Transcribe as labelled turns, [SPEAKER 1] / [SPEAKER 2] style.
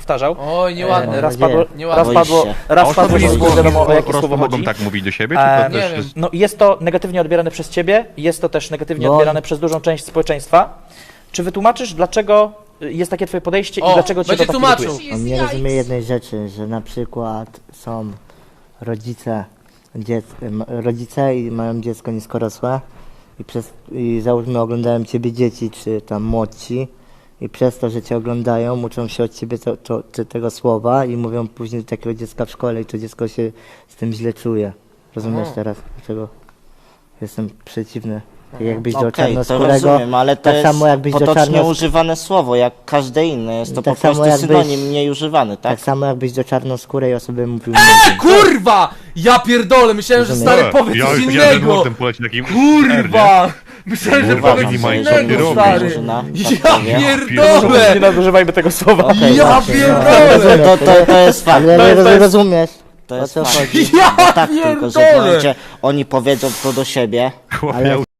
[SPEAKER 1] powtarzał.
[SPEAKER 2] Oj, nieładnie.
[SPEAKER 1] Raz
[SPEAKER 3] nadzieję.
[SPEAKER 1] padło,
[SPEAKER 2] Nieładnie.
[SPEAKER 1] raz padło,
[SPEAKER 3] Boisz się.
[SPEAKER 1] raz
[SPEAKER 4] A
[SPEAKER 1] padło,
[SPEAKER 4] osoby
[SPEAKER 1] że nie wiadomo o jakie słowo
[SPEAKER 4] mogą
[SPEAKER 1] chodzi.
[SPEAKER 4] tak mówić do siebie, czy to
[SPEAKER 2] nie
[SPEAKER 4] też
[SPEAKER 2] wiem.
[SPEAKER 4] jest...
[SPEAKER 1] No i jest to negatywnie odbierane przez ciebie, jest to też negatywnie
[SPEAKER 3] No.
[SPEAKER 1] odbierane przez dużą część społeczeństwa. Czy wytłumaczysz, dlaczego jest takie twoje podejście i
[SPEAKER 2] O,
[SPEAKER 1] dlaczego cię to
[SPEAKER 2] będzie
[SPEAKER 1] tak
[SPEAKER 2] tłumaczył.
[SPEAKER 1] irytuje?
[SPEAKER 3] On nie rozumie jednej rzeczy, że na przykład są rodzice i mają dziecko niskorosłe i załóżmy oglądają ciebie dzieci, czy tam młodsi i przez to, że cię oglądają, uczą się od ciebie tego słowa i mówią później do takiego dziecka w szkole i to dziecko się z tym źle czuje. Rozumiesz teraz, dlaczego jestem przeciwny? Tak jakbyś do
[SPEAKER 5] Okej, to
[SPEAKER 3] czarnoskórego,
[SPEAKER 5] rozumiem, ale to
[SPEAKER 3] tak
[SPEAKER 5] jest
[SPEAKER 3] samo jakbyś do
[SPEAKER 5] potocznie
[SPEAKER 3] czarnoskórego.
[SPEAKER 5] używane słowo, jak każde inne. Jest to
[SPEAKER 3] Tak
[SPEAKER 5] po
[SPEAKER 3] samo
[SPEAKER 5] prostu
[SPEAKER 3] jakbyś-
[SPEAKER 5] synonim mniej używany, tak?
[SPEAKER 3] Tak samo jakbyś do czarnoskórej osoby mówił
[SPEAKER 2] Kurwa! Ja pierdolę, myślałem, że
[SPEAKER 3] Rozumiem.
[SPEAKER 2] stary powie
[SPEAKER 4] Ja
[SPEAKER 2] coś
[SPEAKER 4] już widziałem, że
[SPEAKER 2] innego!
[SPEAKER 4] mordem poleci takim...
[SPEAKER 2] Kurwa! Myślałem, że
[SPEAKER 4] Kurwa,
[SPEAKER 2] powie
[SPEAKER 4] nie
[SPEAKER 2] coś
[SPEAKER 4] ma
[SPEAKER 2] innego,
[SPEAKER 4] innego
[SPEAKER 2] stary!
[SPEAKER 5] Murzyna,
[SPEAKER 2] Ja
[SPEAKER 5] tak powie.
[SPEAKER 2] pierdolę!
[SPEAKER 1] Nie nadużywajmy tego słowa.
[SPEAKER 3] Okej,
[SPEAKER 2] Ja
[SPEAKER 3] właśnie, no.
[SPEAKER 2] pierdolę!
[SPEAKER 5] To jest fakt.
[SPEAKER 3] Ale nie
[SPEAKER 1] jest-
[SPEAKER 3] rozumiesz.
[SPEAKER 5] To
[SPEAKER 3] O
[SPEAKER 5] jest
[SPEAKER 3] co
[SPEAKER 5] fakt.
[SPEAKER 3] chodzi?
[SPEAKER 2] Ja
[SPEAKER 5] No tak, tylko że
[SPEAKER 2] pierdolę!
[SPEAKER 5] w momencie oni powiedzą to do siebie,
[SPEAKER 4] Chłopie,
[SPEAKER 3] Ale-
[SPEAKER 4] ja